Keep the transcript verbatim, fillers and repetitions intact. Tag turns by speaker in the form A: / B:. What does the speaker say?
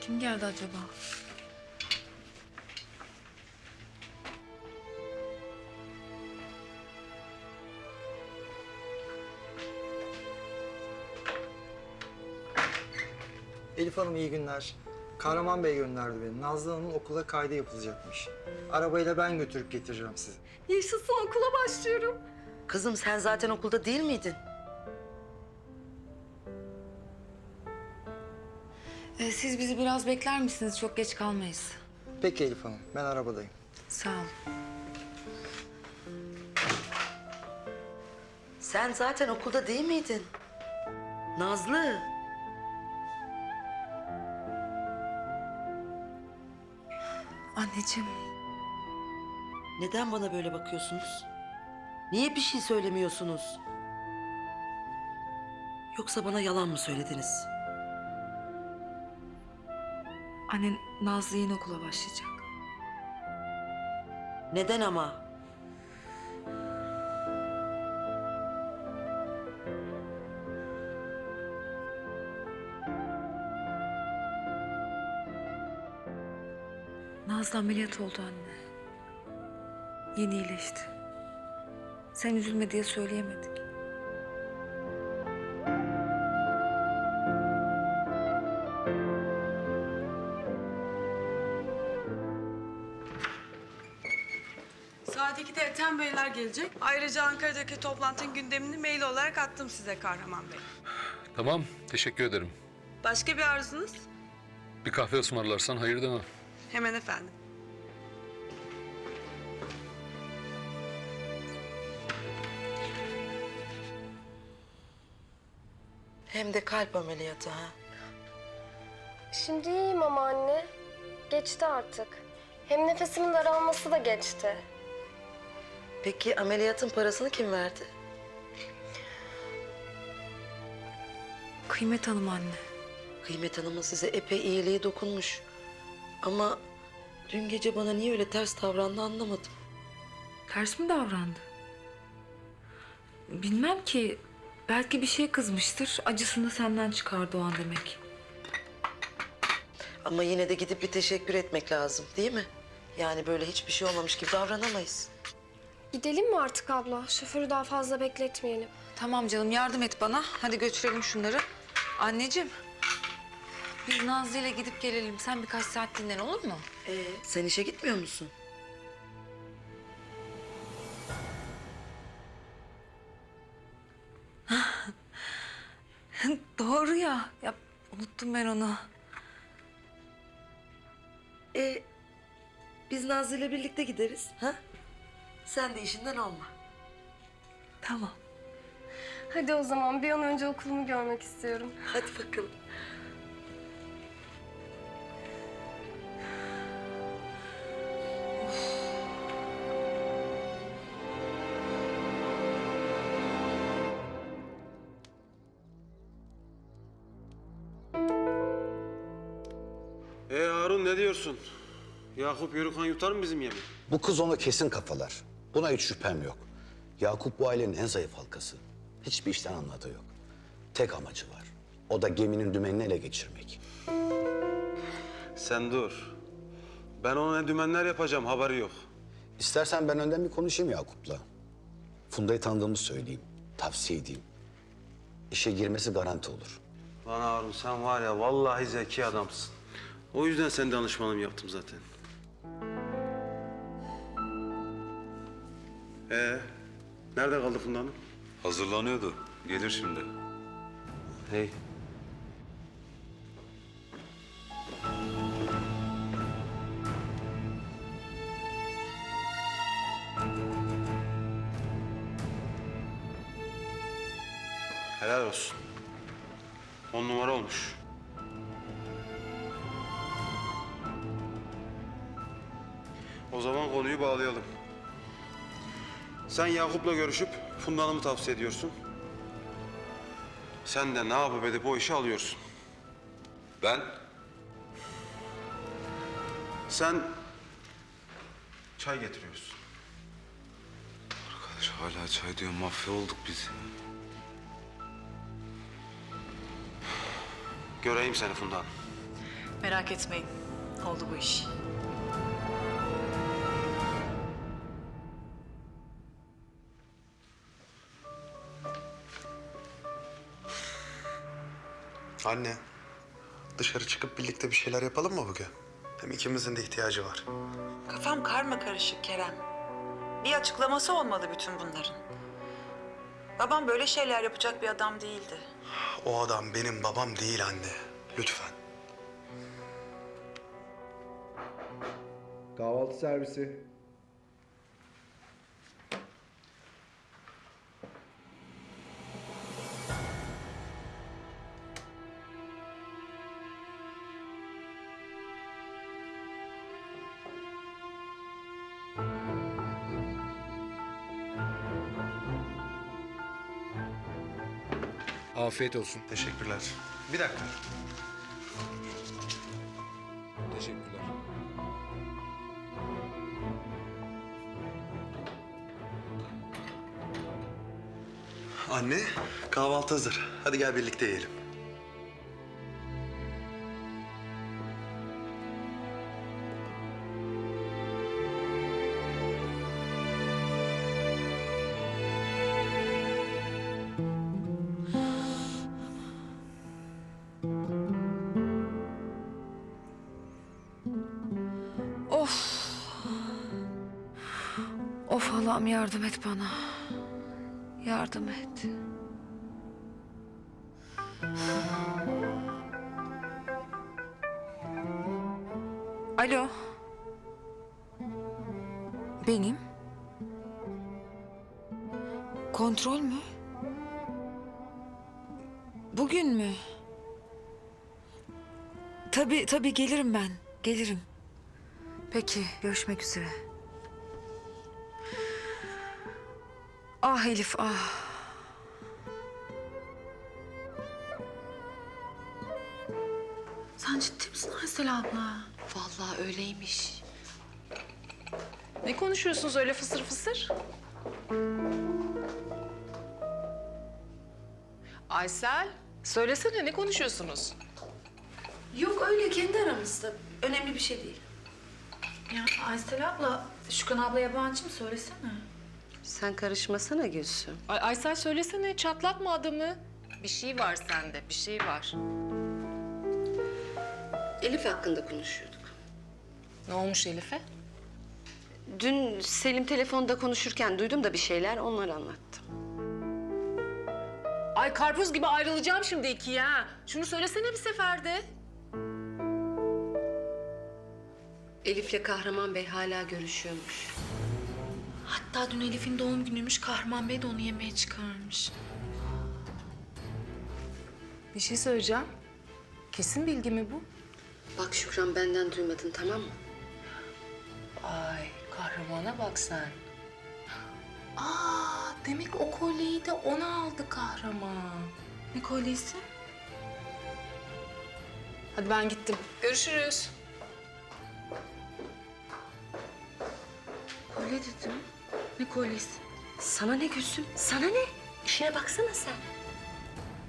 A: Kim geldi acaba?
B: Elif Hanım iyi günler. Kahraman Bey gönderdi beni. Nazlı Hanım'ın okula kaydı yapılacakmış. Arabayla ben götürüp getireceğim sizi.
C: Yaşasın, okula başlıyorum.
D: Kızım sen zaten okulda değil miydin?
A: Ee, siz bizi biraz bekler misiniz? Çok geç kalmayız.
B: Peki Elif Hanım, ben arabadayım.
A: Sağ ol.
D: Sen zaten okulda değil miydin? Nazlı.
A: Anneciğim.
D: Neden bana böyle bakıyorsunuz? Niye bir şey söylemiyorsunuz? Yoksa bana yalan mı söylediniz?
A: Annen Nazlı yeni okula başlayacak.
D: Neden ama?
A: Nazlı ameliyat oldu anne. Yeni iyileşti. Sen üzülme diye söyleyemedik.
E: Saat ikide Ethem Beyler gelecek. Ayrıca Ankara'daki toplantının gündemini mail olarak attım size Kahraman Bey.
F: Tamam, teşekkür ederim.
E: Başka bir arzunuz?
F: Bir kahve ısmarlarsan hayır demem.
E: Hemen efendim.
D: Hem de kalp ameliyatı ha.
C: Şimdi iyiyim ama anne. Geçti artık. Hem nefesimin daralması da geçti.
D: Peki ameliyatın parasını kim verdi?
A: Kıymet Hanım anne.
D: Kıymet Hanım'ın size epey iyiliği dokunmuş. Ama dün gece bana niye öyle ters davrandı anlamadım.
A: Ters mi davrandı? Bilmem ki. Belki bir şeye kızmıştır. Acısını senden çıkardı o an demek.
D: Ama yine de gidip bir teşekkür etmek lazım değil mi? Yani böyle hiçbir şey olmamış gibi davranamayız.
C: Gidelim mi artık abla? Şoförü daha fazla bekletmeyelim.
A: Tamam canım, yardım et bana. Hadi götürelim şunları. Anneciğim, biz Nazlı ile gidip gelelim. Sen birkaç saat dinlen, olur mu?
D: Ee, sen işe gitmiyor musun?
A: Doğru ya. Ya unuttum ben onu.
D: Ee, biz Nazlı ile birlikte gideriz. Ha? Sen de işinden olma.
A: Tamam.
C: Hadi o zaman bir an önce okulumu görmek istiyorum.
D: Hadi bakalım.
G: Ee Harun ne diyorsun? Yakup Yörükhan yutar mı bizim yemeği?
H: Bu kız onu kesin kafalar. Buna hiç şüphem yok. Yakup bu ailenin en zayıf halkası. Hiçbir işten anladığı yok. Tek amacı var. O da geminin dümenini ele geçirmek.
G: Sen dur. Ben ona ne dümenler yapacağım haberi yok.
H: İstersen ben önden bir konuşayım Yakup'la. Funda'yı tanıdığımı söyleyeyim. Tavsiye edeyim. İşe girmesi garanti olur.
G: Lan Harun sen var ya vallahi zeki adamsın. O yüzden sen danışmanım yaptım zaten. Ee, nerede kaldı Funda Hanım?
I: Hazırlanıyordu. Gelir şimdi.
G: Hey. Helal olsun. On numara olmuş. O zaman konuyu bağlayalım. Sen Yakup'la görüşüp Funda Hanım'ı tavsiye ediyorsun. Sen de ne yapıp edip o işi alıyorsun.
I: Ben?
G: Sen çay getiriyorsun.
I: Arkadaş hala çay diyor. Mafya olduk biz.
G: Göreyim seni Funda Hanım.
J: Merak etmeyin. Oldu bu iş.
K: Anne, dışarı çıkıp birlikte bir şeyler yapalım mı bugün? Hem ikimizin de ihtiyacı var.
E: Kafam karma karışık Kerem. Bir açıklaması olmalı bütün bunların. Babam böyle şeyler yapacak bir adam değildi.
K: O adam benim babam değil anne. Lütfen.
L: Kahvaltı servisi. Afiyet olsun.
K: Teşekkürler. Bir dakika.
L: Teşekkürler.
K: Anne, kahvaltı hazır. Hadi gel birlikte yiyelim.
A: Of. Of Allah'ım yardım et bana. Yardım et. Alo. Benim. Kontrol mü? Bugün mü? Tabii tabii gelirim ben. Gelirim. Peki görüşmek üzere. Ah Elif ah.
J: Sen ciddi misin Aysel abla?
D: Vallahi öyleymiş.
J: Ne konuşuyorsunuz öyle fısır fısır? Aysel, söylesene ne konuşuyorsunuz?
D: Yok öyle kendi aramızda. Önemli bir şey değil.
J: Ya Aysel abla, Şükran abla yabancı mı söylesene?
D: Sen karışmasana Gülsüm.
J: Ay Aysel söylesene, çatlatma adamı. Bir şey var sende, bir şey var.
D: Elif hakkında konuşuyorduk.
J: Ne olmuş Elif'e?
D: Dün Selim telefonda konuşurken duydum da bir şeyler, onları anlattım.
J: Ay karpuz gibi ayrılacağım şimdi ikiye ha. Şunu söylesene bir seferde.
D: Elif'le Kahraman Bey hala görüşüyormuş.
J: Hatta dün Elif'in doğum günüymüş, Kahraman Bey de onu yemeğe çıkarmış. Bir şey söyleyeceğim. Kesin bilgi mi bu?
D: Bak Şükran benden duymadın tamam mı?
J: Ay kahramana bak sen. Aa demek o kolyeyi de ona aldı kahraman. Ne kolyesi? Hadi ben gittim. Görüşürüz.
D: Kolye dedim. Ne kolyesi? Sana ne Gülsüm? Sana ne? İşine baksana sen.